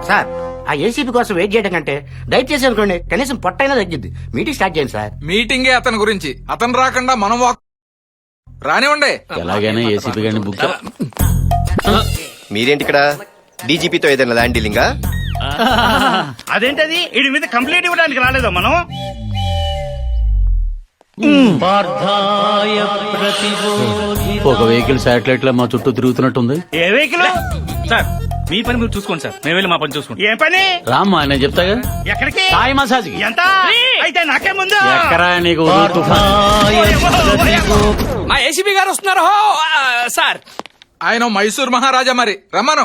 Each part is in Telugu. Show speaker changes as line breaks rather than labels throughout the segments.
సార్ ఆ ఏసీపీ కోసం వెయిట్ చేయడం కంటే దయచేసి అనుకోండి కనీసం పొట్టైనా తగ్గిద్ది. మీటింగ్ స్టార్ట్ చేయండి సార్.
మీటింగే అతని గురించి, అతను రాకుండా మనం రానివ్వండి.
ఎలాగైనా ఏసీపీ గారిని బుక్
మీరేంటి ఇక్కడ? డీజీపీతో ఏదైనా ల్యాండ్ డీలింగా?
అదేంటది వీడి మీద కంప్లైంట్ ఇవ్వడానికి రాలేదా మనం?
ఒక వెహికల్ శాటిలైట్ లో మా చుట్టూ తిరుగుతున్నట్టుంది.
ఏ వెహికల్?
సార్ మీ పని మీరు చూసుకోండి సార్, మేము వెళ్ళి మా పని చూసుకుంటాం.
ఏ పని?
రామ్మా నేను చెప్తాగా.
ఎక్కడికి?
సాయి మసాజ్.
ఎంత? అయితే నాకే ముందు.
ఎక్కరా నీకు
మా ఏసీబీ గారు వస్తున్నారు సార్.
ఆయన మైసూర్ మహారాజా, మరి రమ్మను.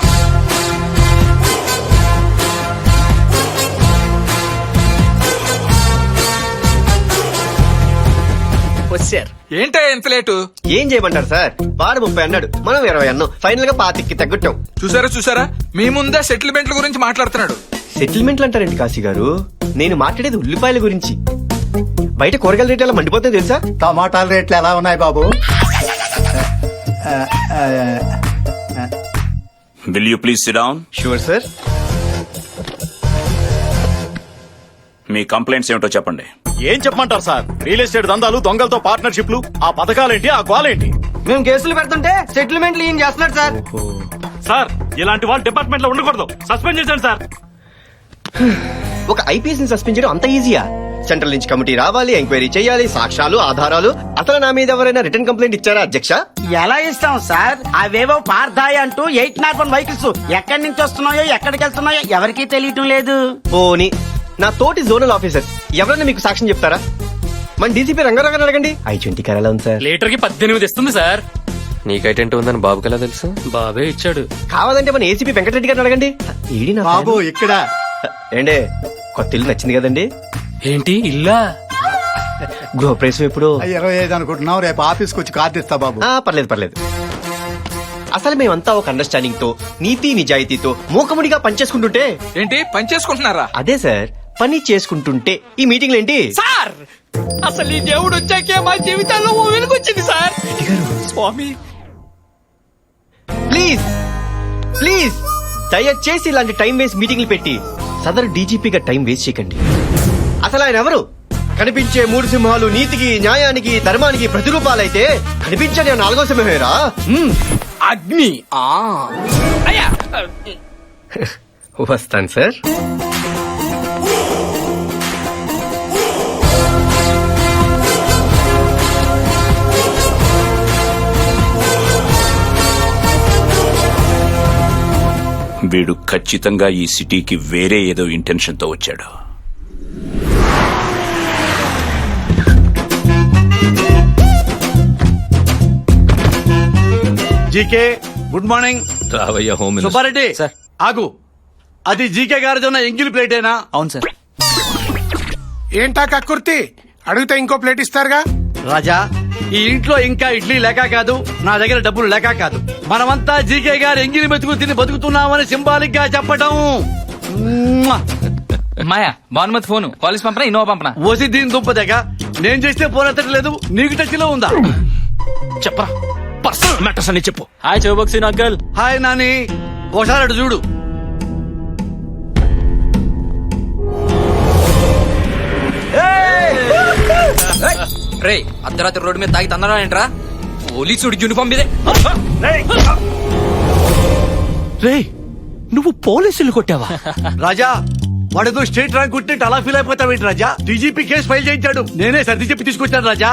వచ్చారు.
ఏంటే ఎంత లేటు?
ఏం చేయమంటారు సార్? వాడు 30 అన్నాడు, మనం 20 అన్నాం. ఫైనల్ గా 25కి తగ్గట్టాం.
చూసారా మీ ముందే సెటిల్మెంట్ల గురించి మాట్లాడుతున్నాడు.
సెటిల్మెంట్లు అంటారండి కాశీ గారు? నేను మాట్లాడేది ఉల్లిపాయల గురించి. బయట కూరగాయల రేట్లు ఎలా మండిపోతాయి తెలుసా?
టమాటాల రేట్లు ఎలా ఉన్నాయి బాబు?
Will you please sit down?
Sure sir.
మీ కంప్లైంట్స్ ఏమిటో చెప్పండి.
ఏం చెప్పమంటారు సార్? రియల్ ఎస్టేట్ దందాలు, దొంగలతో పార్ట్నర్షిప్లు, ఆ పథకాలేంటి, ఆ గోలేంటి?
మేము కేసులు పెడుతుంటే సెటిల్మెంట్లు ఏం చేస్తున్నాడు సార్?
సార్ ఇలాంటి వాళ్ళు డిపార్ట్మెంట్ లో ఉండకూడదు, సస్పెండ్ చేశాను సార్.
ఒక ఐపీఎస్ ని సస్పెండ్ చేయడం అంత ఈజీయా? సెంట్రల్ నుంచి కమిటీ రావాలి, ఎంక్వైరీ చేయాలి, సాక్ష్యాలు, ఆధారాలు. అసలు నా మీద ఎవరైనా రిటర్న్ కంప్లైంట్ ఇచ్చారా అధ్యక్ష?
ఎలా ఇస్తాం సార్? అవేవో పార్థాయి అంటూ 801 వెహికల్స్ ఎక్కడి నుంచి వస్తున్నాయో ఎక్కడికి వెళ్తున్నాయో ఎవరికీ తెలియటం లేదు.
పోనీ నా తోటి జోనల్ ఆఫీసర్ ఎవరైనా మీకు సాక్ష్యం చెప్తారా? మన డీసీపీ రంగారావు అడగండి. I-20 కరాలా ఉంది సార్.
లీటర్ కి 18 ఇస్తుంది సార్.
నీకైటెంట్ ఉందని బాబుకి ఎలా తెలుసు?
బాబే ఇచ్చాడు.
కావాలంటే మన ఏసీపీ వెంకటరెడ్డి గారిని అడగండి. ఈడి నా
బాబు ఇక్కడ
ఏండే కొత్త ఇల్లు నచ్చింది కదండి?
ఏంటి ఇల్లా?
గృహప్రవేశం ఎప్పుడు?
25 అనుకుంటున్నాం. రేపు ఆఫీస్కి వచ్చి కార్డు ఇస్తా బాబు.
పర్లేదు. అసలు మేమంతా ఒక అండర్స్టాండింగ్ తో, నీతి నిజాయితీతో మూకముడిగా పనిచేసుకుంటుంటే.
ఏంటి పని చేసుకుంటున్నారా?
అదే సార్, పని చేసుకుంటుంటే ఈ మీటింగ్లు ఏంటి
సార్ అసలు ఈ దేవుడు వచ్చాకే మా జీవితాల్లో ఓ వెలుగొచ్చింది సార్. స్వామి
ప్లీజ్ దయచేసి ఇలాంటి టైం వేస్ట్ మీటింగ్లు పెట్టి సదరు డీజీపీగా టైం వేస్ట్ చేయకండి. అసలు ఆయన ఎవరు? కనిపించే 3 సింహాలు నీతికి, న్యాయానికి, ధర్మానికి ప్రతిరూపాలైతే కనిపించని 4వ సింహమేరా
అగ్ని. అయ్యా
వస్తాను సార్.
వీడు ఖచ్చితంగా ఈ సిటీకి వేరే ఏదో ఇంటెన్షన్ తో వచ్చాడు.
GK good morning.
రావయ్య హోమ్
సుబ్బారెడ్డి
సార్.
ఆగు. అది జీకే గారిదన్న ఎంగిల్ ప్లేటేనా?
అవును సార్.
ఏంటా కక్కుర్తి? అడిగితే ఇంకో ప్లేట్ ఇస్తారుగా.
రాజా, ఈ ఇంట్లో ఇంకా ఇడ్లీ లేక కాదు, నా దగ్గర డబ్బులు లేక కాదు. మనమంతా జీకే గారు ఎంగిలి మెతుకు తిని బతుకుతున్నామని సింబాలిక్ గా చెప్పటం.
మాయా భానుమతి ఫోన్ కాలేజ్ పంపనా ఇన్నోవా పంపనా?
ఓసి దీని దుంపదగ. నేను చేస్తే ఫోన్ ఎత్తట్లేదు, నీకు టచ్ లో ఉందా?
చెప్పరా పర్సనల్ మ్యాటర్స్ అని చెప్పు. హాయ్ చౌబక్సీ అంకల్.
హాయ్ నాని, ఒకసారి అటు చూడు.
రే అర్ధరాత్రి రోడ్డు మీద తాగి తన్నారా ఏంట్రా? పోలీసుడు యూనిఫామ్ మీదే.
రే నువ్వు పోలీసులు కొట్టావా? రాజా, వాడేదో స్టేట్ ర్యాంక్ కొట్టినట్టు అలా ఫీల్ అయిపోతావేంటి రాజా? డీజీపీ కేసు ఫైల్ చేయించాడు, నేనే సర్ది చెప్పి తీసుకొచ్చాను రాజా.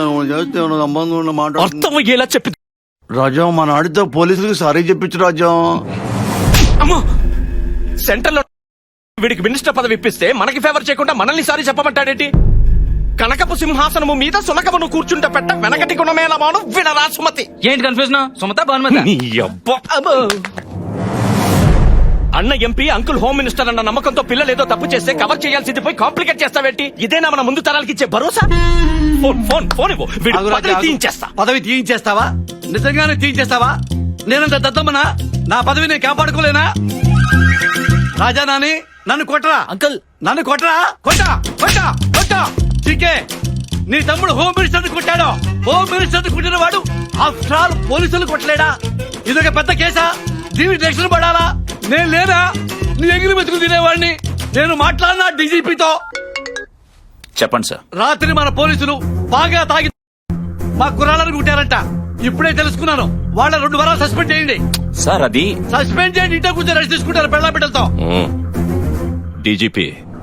అర్థం అయ్యేలా చెప్పి
రాజా, మన ఆడితో పోలీసులకు సారీ చెప్పించు రాజా.
అమ్మో సెంటర్ లో వీడికి మినిస్టర్ పదవి ఇప్పిస్తే మనకి ఫేవర్ చేయకుండా మనల్ని సారీ చెప్పమంటాడేంటి? కనకపు సింహాసనము మీద సునకమును కూర్చుంటే పెట్ట వెనకటి గుణమేలా మాను వినరా సుమతి. ఏంటి కన్ఫ్యూజన్? సుమత భానుమతి. అన్న ఎంపీ, అంకుల్ హోమ్ మినిస్టర్ అన్న నమ్మకంతో పిల్లలు ఏదో తప్పు చేస్తే కవర్ చేయాల్సింది పోయి కాంప్లికేట్ చేస్తావేంటి? ఇదేనా మన ముందు తరాలకి ఇచ్చే భరోసా? ఫోన్ ఇవ్వు, పదవి తీయించేస్తా.
పదవి తీయించేస్తావా? నిజంగానే తీయించేస్తావా? నేనంత దద్దమ్మనా? నా పదవి నేను కాపాడుకోలేనా? రాజా నాని, నన్ను కొట్టరా అంకుల్, నన్ను కొట్టరా. కొట్టా చీకే, నీ తమ్ముడు హోమ్ మినిస్టర్ కొట్టాడు. హోమ్ మినిస్టర్ కొట్టిన వాడు ఆఫ్టర్ ఆల్ పోలీసులు కొట్టలేడా? ఇదొక పెద్ద కేసా? దీనికి రక్షణ పడాలా? నేను లేనా? నీ ఎగిరి మెతుకు తినేవాడిని. నేను మాట్లాడినా డీజీపీతో.
చెప్పండి సార్.
రాత్రి మన పోలీసులు బాగా తాగి మా కుర్రాళ్ళని కుట్టారంట. ఇప్పుడే తెలుసుకున్నాను. వాళ్ళ 2 వారాలు సస్పెండ్ చేయండి.
సార్ అది
సస్పెండ్ చేయండి. ఇంట్లో కూర్చొని రెస్ట్ తీసుకుంటారు పెళ్ళ బిడ్డలతో.
డీజీపీ,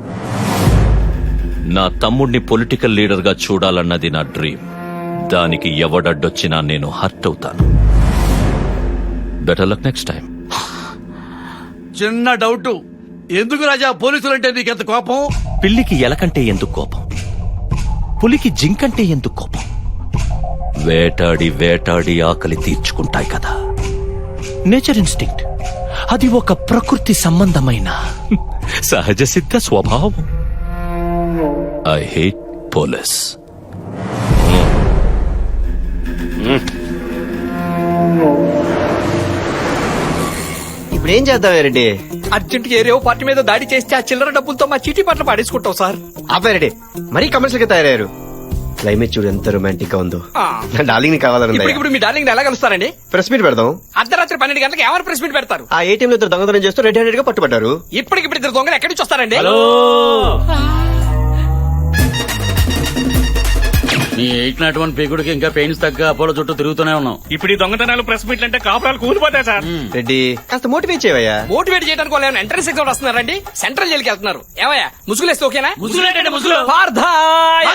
నా తమ్ముడిని పొలిటికల్ లీడర్ గా చూడాలన్నది నా డ్రీమ్. దానికి ఎవడడ్డొచ్చినా నేను హర్ట్ అవుతాను. Better luck next time.
చిన్న డౌట్, ఎందుకు రాజా పోలీసులంటే నీకెంత కోపం?
పిల్లికి ఎలకంటే ఎందుకు కోపం? పులికి జింకంటే ఎందుకు కోపం? వేటాడి వేటాడి ఆకలి తీర్చుకుంటాయి కదా. Nature instinct. అది ఒక ప్రకృతి సంబంధమైన సహజ సిద్ధ స్వభావం. I hate police.
ఇప్పుడు ఏం చేద్దాం రెడ్డి?
అర్జెంట్ ఏరియో పార్టీ మీద దాడి చేస్తే ఆ చిల్లర డబ్బులతో మా చీటీ పట్ల పాడేసుకుంటాం సార్.
రెడ్డి మరీ కమర్షియల్ గా తయారయ్యారు. క్లైమేట్ చూడు ఎంత రొమాంటిక్ గా ఉందో. నా డార్లింగ్ ని కావాలని
ఇప్పుడు మీ డార్లింగ్ ఎలా కలుస్తారండి?
ప్రెస్ మీట్ పెడదాం.
అర్ధరాత్రి 12 గంటలకు ఎవరు ప్రెస్ మీట్ పెడతారు?
ఆ ఏటీఎం లో 2 దొంగతనం చేస్తూ రెడ్ హ్యాండెడ్ గా పట్టుబడ్డారు.
ఇప్పటికిప్పుడు 2 దొంగలు ఎక్కడి నుంచి వస్తారండి?
నీ 801 పీకుడికి ఇంకా పెయిన్స్ తగ్గ అపోలో చుట్టూ తిరుగుతూనే ఉన్నాం.
ఇప్పుడు ఈ దొంగతనాలు ప్రెస్ మీట్లు అంటే కాపురాలు కూలిపోతాయి సార్.
రెడ్డి కాస్త మోటివేట్ చేయవయ్యా.
మోటివేట్ చేయడానికి వాళ్ళు ఎంట్రన్స్ ఎగ్జామ్ వస్తున్నారండి. సెంట్రల్ జైలుకి వెళ్తున్నారు. ఏమయ్యా ముసుగులేస్తే ఓకేనా?
ముసుగులేంటండి ముసుగులు?
పార్థాయ్.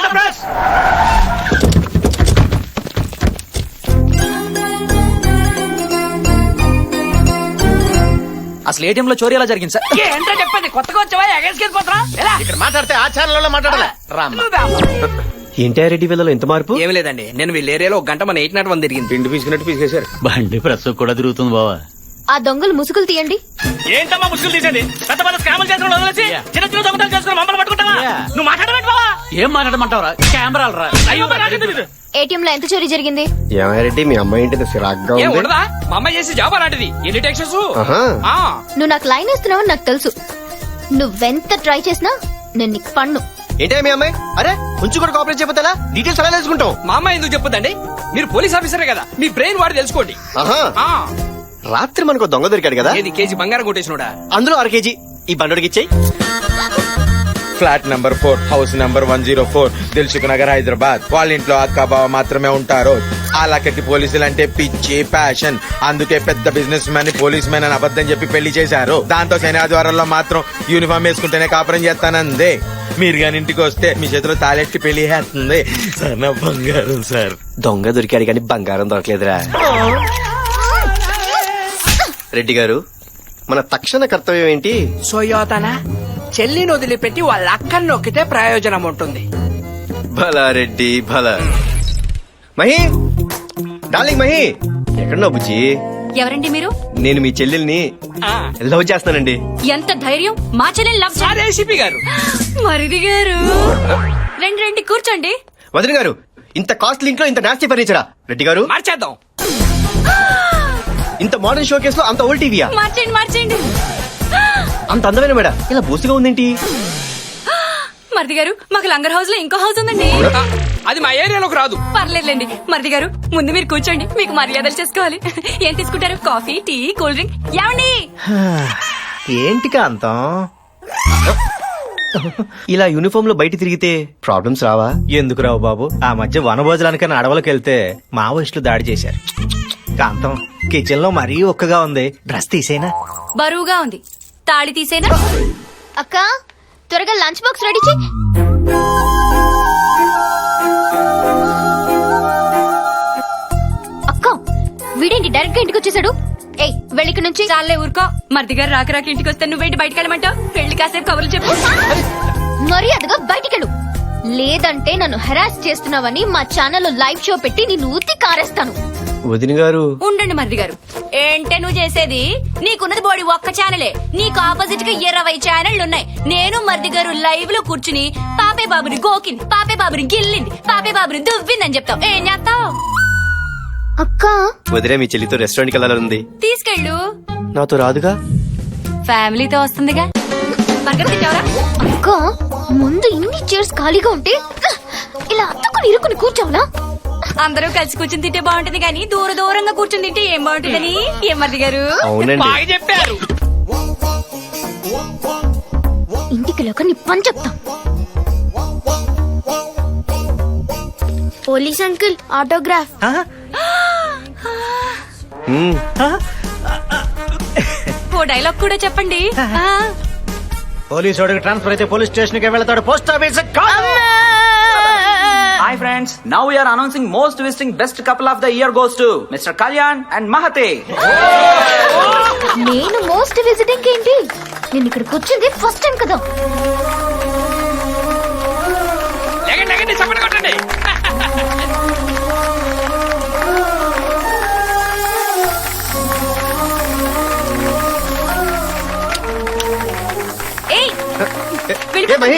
అసలు ఏటీఎం లో చోరీ ఎలా జరిగింది సార్?
ఏంటో చెప్పండి. కొత్తగా వచ్చావా? ఎగేసుకెళ్ళిపోతున్నా?
ఇక్కడ మాట్లాడితే ఆ ఛానల్లో మాట్లాడాలి.
ఏంటి రెడ్డి వీళ్ళలో ఎంత మార్పు?
ఏమి లేదండి, నేను వీళ్ళ ఏరియాలో 1 గంట మన 801 తిరిగింది.
పిండి పీసుకున్నట్టు పీసుకేశారు.
బండి ప్రెస్ కూడా తిరుగుతుంది బావా.
ఆ దొంగలు ముసుగులు తీయండి.
ఏంటమ్మా ముసుగులు తీసేది? పెద్ద పెద్ద స్కాములు చేసిన వదిలేసి చిన్న చిన్న దొంగతనాలు చేసుకుని మమ్మల్ని పట్టుకుంటావా? నువ్వు మాట్లాడమంటే బావా?
ఏం మాట్లాడమంటావరా? కెమెరాలు రా.
అయ్యో మరి నాకేం తెలీదు.
ఏటీఎం లో ఎంత చోరీ జరిగింది?
రెడ్డి మీ అమ్మాయి ఏంటి సిరాగ్గా
ఏం
ఉంది?
ఉండదా? మా అమ్మాయి చేసి జాబ్ అలాంటిది. ఎన్ని టెక్షన్స్?
ఆహా.
నువ్వు నాకు లైన్ వేస్తున్నావని నాకు తెలుసు. నువ్వెంత ట్రై చేసినా నేను నీకు పన్ను.
ఏంటే మీ అమ్మాయి? అరే కొంచెం కూడా కోఆపరేట్ చేయకపోతే ఎలా? డీటెయిల్స్ ఎలా తెలుసుకుంటాం?
మా అమ్మాయి ఎందుకు చెప్పొద్దండి? మీరు పోలీస్ ఆఫీసరే కదా, మీ బ్రెయిన్ వాడి తెలుసుకోండి.
ఆహా.
ఆ,
రాత్రి మనకు దొంగ దొరికాడు కదా,
ఏది కేజీ బంగారం కొట్టేసినోడా?
అందులో 1/2 కేజీ ఈ బండోడికి ఇచ్చేయి.
Flat number 4 house number 104 Dilsukh Nagar Hyderabad. వాళ్ళ ఇంట్లో అక్క బావ మాత్రమే ఉంటారు. ఆ లక్కకి పోలీసులు అంటే పిచ్చి ప్యాషన్. అందుకే పెద్ద బిజినెస్ మ్యాన్ పోలీస్ మ్యాన్ అని అబద్ధం చెప్పి పెళ్లి చేశారు. దాంతో శని ఆదివారాల్లో మాత్రం యూనిఫామ్ వేసుకుంటేనే కాపురం చేస్తానందే. మీరు గాని ఇంటికి వస్తే మీ చేతిలో తాళెట్టి పెళ్లి చేస్తుంది సార్. నా బంగారం సార్.
దొంగ దొరికాడు కానీ బంగారం దొరకలేదురా. రెడ్డి గారు మన తక్షణ కర్తవ్యం ఏంటి?
సోయోతన చెల్లిని వదిలిపెట్టి వాళ్ళ అక్కని నొక్కితే ప్రయోజనం ఉంటుంది.
భలా రెడ్డి భలా. మహి డార్లింగ్ మహి ఎక్కడున్నావు బుజ్జి?
ఎవరండి మీరు?
నేను మీ చెల్లెల్ని లవ్ చేస్తానండి.
ఎంత ధైర్యం మా చెల్లెని లవ్
సార్ ఏసీపీ గారు.
మరిది గారు రండి రండి కూర్చోండి.
వదిన గారు ఇంత కాస్ట్లీ ఇంట్లో ఇంత నాస్తి ఫర్నిచరా? రెడ్డి గారు
మార్చేద్దాం.
ఇంత మోడర్న్ షో కేసులో అంత ఓల్డ్ టీవీయా?
మార్చండి మార్చండి.
అంత అందమైన మేడ ఇలా బూసిగా ఉందేంటి?
మరిది గారు మాకు లంగర్ హౌస్ లో ఇంకో హౌస్ ఉందండి.
అది మా ఏరియాలోకి రాదు.
పర్లేదులేండి మరిది గారు ముందు మీరు కూర్చోండి, మీకు మర్యాదలు చేసుకోవాలి. ఏం తీసుకుంటారు? Coffee, tea, cool drink? ఏమండి?
ఏంటి కాంతం ఇలా యూనిఫామ్ లో బయట తిరిగితే ప్రాబ్లమ్స్ రావా?
ఎందుకు రావు బాబు? ఆ మధ్య వనభోజనానికన్నా అడవులకు వెళ్తే మావోయిస్టులు దాడి చేశారు. కాంతం కిచెన్ లో మరీ ఒక్కగా ఉంది, డ్రెస్ తీసేనా?
బరువుగా ఉంది, తాళి తీసేనా? అక్క త్వరగా లంచ్ బాక్స్ రెడీ చేయి. అక్క వీడేంటి డైరెక్ట్ గా ఇంటికి వచ్చేసాడు? ఏయ్ వెళ్ళిక నుంచి. చాలే ఊరుకో. మరిది గారు రాక రాక ఇంటికి వస్తే నువ్వేంటి బయటకు వెళ్ళమంటావు? వెళ్ళి కాసేపు కబుర్లు చెప్పు. మర్యాదగా బయటికెళ్ళు, లేదంటే నన్ను హెరాస్ చేస్తున్నావని మా ఛానల్లో లైవ్ షో పెట్టి నిన్ను ఉత్తి కారేస్తాను.
వదిన గారు
ఉండండి మరిది గారు. ఏంటే నువ్వు చేసేది? నీకున్నది బోడి ఒక్క ఛానలే, నీకు ఆపోజిట్ గా 20 ఛానళ్లు ఉన్నాయి. నేను మరిది గారు లైవ్ లో కూర్చుని పాపే బాబుని గోకింది, పాపే బాబుని గిల్లింది, పాపే బాబుని దువ్విందని చెప్తావు. ఏం చేస్తావు? అక్క
వదిలే మీ చెల్లితో రెస్టారెంట్ కి వెళ్ళాలంది.
తీసుకెళ్ళు.
నాతో రాదుగా?
ఫ్యామిలీతో వస్తుందిగా. బర్గర్ తింటావరా? అక్క ముందు ఇన్ని చైర్స్ ఖాళీగా ఉంటే ఇలా అత్తుకుని ఇరుకుని కూర్చోవాలా? అందరూ కలిసి కూర్చుని తింటే బాగుంటుంది కానీ దూర దూరంగా కూర్చుని తింటే ఏం బాగుంటుందని. ఏం మరిది గారు?
అవునండి
బాగా చెప్పారు.
తీరికలోక నీ పని చెప్తా.
Police uncle autograph.
ఓ డైలాగ్ కూడా చెప్పండి.
పోలీసు వాడికి ట్రాన్స్ఫర్ అయితే పోలీస్ స్టేషన్ కి వెళ్తాడు, పోస్ట్ ఆఫీస్ కాదు.
Hi friends, now we are announcing most visiting best couple of the year goes to mister Kalyan and మహతే.
నేను మోస్ట్ విజిటింగ్ ఏంటి? నేను ఇక్కడికి వచ్చింది ఫస్ట్ టైం కదా.
చెప్పండి కొట్టండి.
ఏయ్
ఏ మహి,